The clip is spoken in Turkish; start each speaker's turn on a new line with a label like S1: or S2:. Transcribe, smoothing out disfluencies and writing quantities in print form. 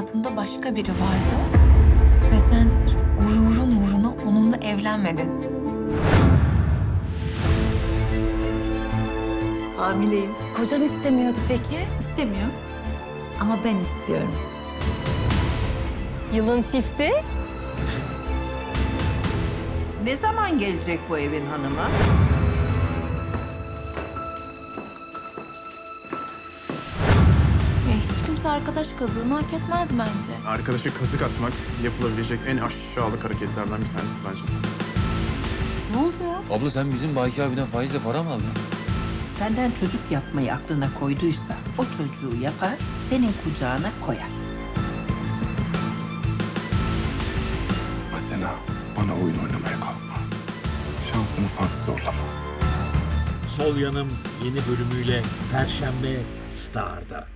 S1: hayatında başka biri vardı. Ve sen sırf gururun uğruna onunla evlenmedin.
S2: Hamileyim.
S3: Kocan istemiyordu peki?
S2: İstemiyor. Ama ben istiyorum.
S3: Yılın çifti.
S4: Ne zaman gelecek bu evin hanımı?
S1: Hiç kimse arkadaş kazığını hak etmez bence.
S5: Arkadaşa kazık atmak yapılabilecek en aşağılık hareketlerden bir tanesi bence.
S3: Ne oldu ya?
S6: Abla sen bizim Baki abiden faizle para mı aldın?
S4: Senden çocuk yapmayı aklına koyduysa o çocuğu yapar, senin kucağına koyar.
S7: Asena, bana oyun oynamaya kalkma. Şansını fazla zorlama.
S8: Sol Yanım yeni bölümüyle Perşembe Star'da.